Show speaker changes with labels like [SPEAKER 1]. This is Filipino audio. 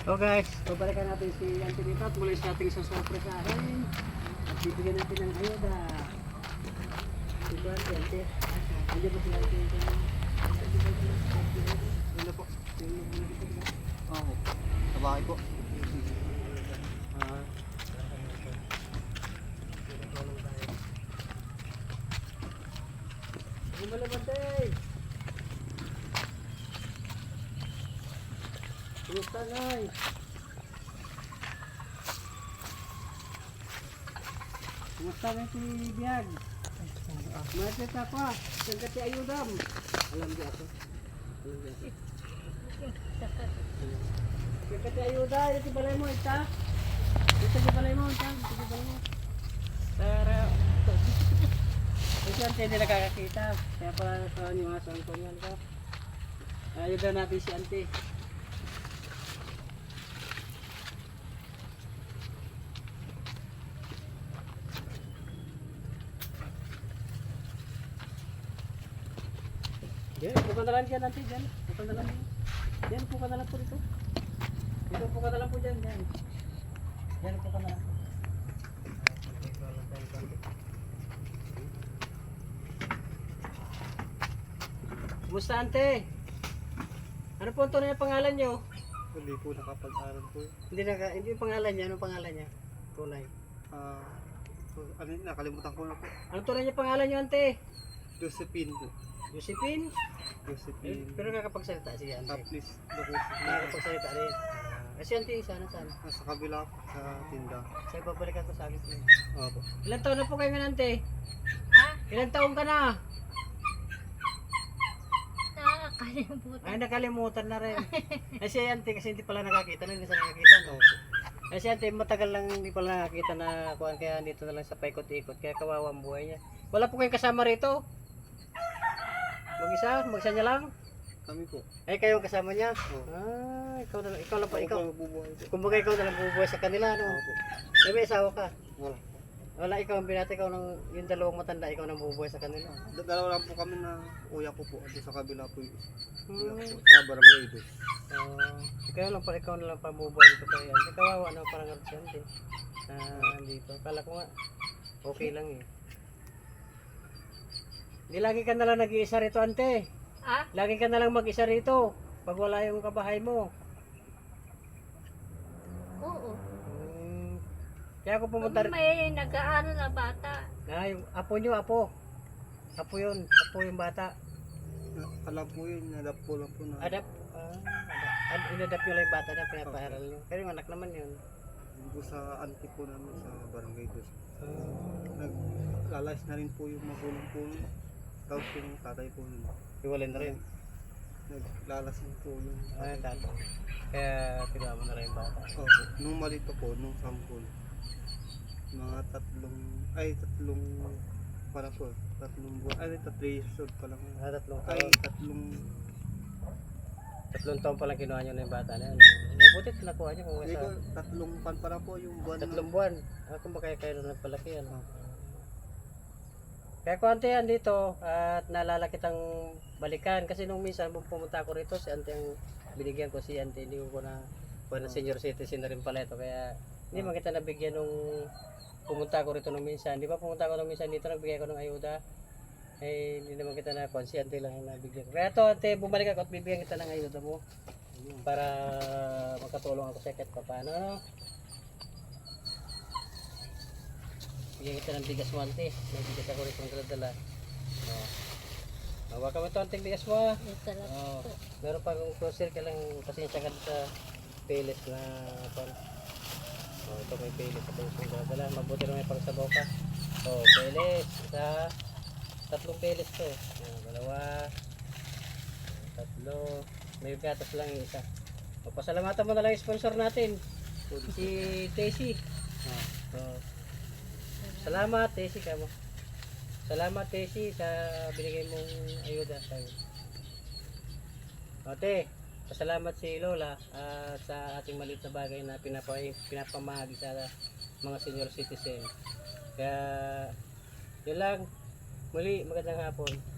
[SPEAKER 1] So guys, babalikan natin si Auntie dito at muli sa ating sasurpresahin. At bibigyan natin ng ayuda. Diba, Auntie? Hindi ba sila Auntie? Ano po?
[SPEAKER 2] Oo. Sa bahay po.
[SPEAKER 1] Malabantay! Kumusta, Nay? Kumusta na si Biag? Mahal ka pa. Saan ka ti ayudam? Alam di ako. Alam di ako. Saan ka ti ayuda? Ito balay mo, ita? Ito balay mo, ita? Ito balay mo. Tara. Kasi ante hindi nakakakita. Kaya pala sa yung aso ang kunyan ko. Ayuda natin si ante. Diyan, bukan na lang dyan ante. Diyan, bukan na lang dyan. Diyan, bukan na lang po dito. Dito, bukan na lang po dyan. Diyan, diyan, bukan na lang. Kumusta ante? Ano po ang tunay na pangalan nyo?
[SPEAKER 2] Hindi po nakapag-aral po.
[SPEAKER 1] Hindi yung pangalan niya. Anong pangalan niya? Tunay.
[SPEAKER 2] Ano yun, nakalimutan ko na po.
[SPEAKER 1] Anong tunay niya pangalan nyo ante?
[SPEAKER 2] Josephine po.
[SPEAKER 1] Josephine?
[SPEAKER 2] Josephine.
[SPEAKER 1] Pero nakakapagsalita siya ante.
[SPEAKER 2] Please, location.
[SPEAKER 1] Nakakapagsalita rin. Kasi ante, sana saan?
[SPEAKER 2] Sa kabila po, sa tinda.
[SPEAKER 1] Sa'yo babalikan ko sa akin.
[SPEAKER 2] Opo.
[SPEAKER 1] Ilan taon na po kayo nga ante?
[SPEAKER 3] Ha?
[SPEAKER 1] Ilan taon ka na?
[SPEAKER 3] Nakakalimutan.
[SPEAKER 1] Ay, nakalimutan na rin. Ay, si ante kasi hindi pala nakakita na, hindi sa nakakita, no? Ay, si ante matagal lang hindi pala nakakita na kuhan, kaya dito na lang sa paikot-ikot, kaya kawawa ang buhay niya. Wala po kayong kasama rito? Mag-isa niya lang?
[SPEAKER 2] Kami po.
[SPEAKER 1] Ay, kayo ang kasama niya?
[SPEAKER 2] Oo.
[SPEAKER 1] Ah, ikaw na lang, ikaw lang pa, ikaw.
[SPEAKER 2] Ako bubuhay po.
[SPEAKER 1] Kumbaga ikaw na lang bubuhay sa kanila, no?
[SPEAKER 2] Opo.
[SPEAKER 1] May asawa ka?
[SPEAKER 2] Wala.
[SPEAKER 1] Wala, ikaw ang binata, ikaw nang, yung dalawang matanda, ikaw nang bubuhay sa kanila.
[SPEAKER 2] Dalawa lang po kami na kuya ko po. At sa kabila po yung kuya ko.
[SPEAKER 1] Hmm.
[SPEAKER 2] Sa barangay doon.
[SPEAKER 1] Kaya lang pala, ikaw na lang pa bubuhay dito kayo. Hindi kawawa na parang absente. Dito. Kala ko nga, okay lang eh. Hindi lagi ka na lang nag-iisa rito, ante.
[SPEAKER 3] Ha?
[SPEAKER 1] Lagi ka na lang mag-isa rito. Pag wala yung kabahay mo.
[SPEAKER 3] Oo.
[SPEAKER 1] Kaya ako pumunta rin.
[SPEAKER 3] May nag-aano na bata.
[SPEAKER 1] Yung apo nyo, apo. Apo yun. Apo yung bata.
[SPEAKER 2] Alam po yun, nadap po lang po na.
[SPEAKER 1] Adapt. Inadapt nyo lang yung bata na pinapaharal nyo. Pero yung anak naman yun.
[SPEAKER 2] Hindi po sa auntie po namin sa barangay doon. Naglalayas na rin po yung magulang po nun. Tapos yung tatay po nun.
[SPEAKER 1] Iwalin na rin.
[SPEAKER 2] Naglalasin po yung
[SPEAKER 1] Tato. Kaya kinuha mo na lang yung bata.
[SPEAKER 2] Opo. Nung malito po, nung sampol. Mga tatlong para po. Tatlong buwan. Ay, 3 years old pa lang.
[SPEAKER 1] Tatlong
[SPEAKER 2] Ay,
[SPEAKER 1] taon.
[SPEAKER 2] tatlong
[SPEAKER 1] Tatlong taon pa lang kinuha nyo na yung bata na yan. Mabuti nakuha nyo kung
[SPEAKER 2] Hindi ko,
[SPEAKER 1] sa
[SPEAKER 2] tatlong pan para po yung buwan.
[SPEAKER 1] tatlong buwan. Kung ba kayo na nagpalaki yan. Kaya kung ante yan dito at naalala kitang balikan kasi nung minsan pumunta ako rito si ante ang binigyan ko si ante, hindi ko na senior citizen na rin pala ito kaya hindi man kita nabigyan nung pumunta ako rito nung minsan. Di ba pumunta ako nung minsan dito nagbigay ko ng ayuda. Eh hindi naman kita na si ante lang yung nabigyan. Kaya to ante bumalik ako at bibigyan kita ng ayuda mo para makatulong ako sa kahit paano. Bigyan kita ng bigas mo ante. May bigas ako rito ng dala. Hawakan mo ito anting bigas mo.
[SPEAKER 3] Ito lang.
[SPEAKER 1] Meron pa akong grocery ka lang pasensya ka sa peles na pan. Ito may peles ito yung dala. Mabuti na may pagsabaw ka. Peles. Tatlong peles to. Dalawa. Tatlo. May gatas lang yung isa. Pasalamatan mo na lang yung sponsor natin. Si Tessie. Salamat Tessie ka mo. Salamat Tessie sa binigay mong ayuda sa akin. Ate, pasalamat si Lola sa ating maliit na bagay na pinapamahagi sa mga senior citizen. Kaya yun lang. Muli, magandang hapon.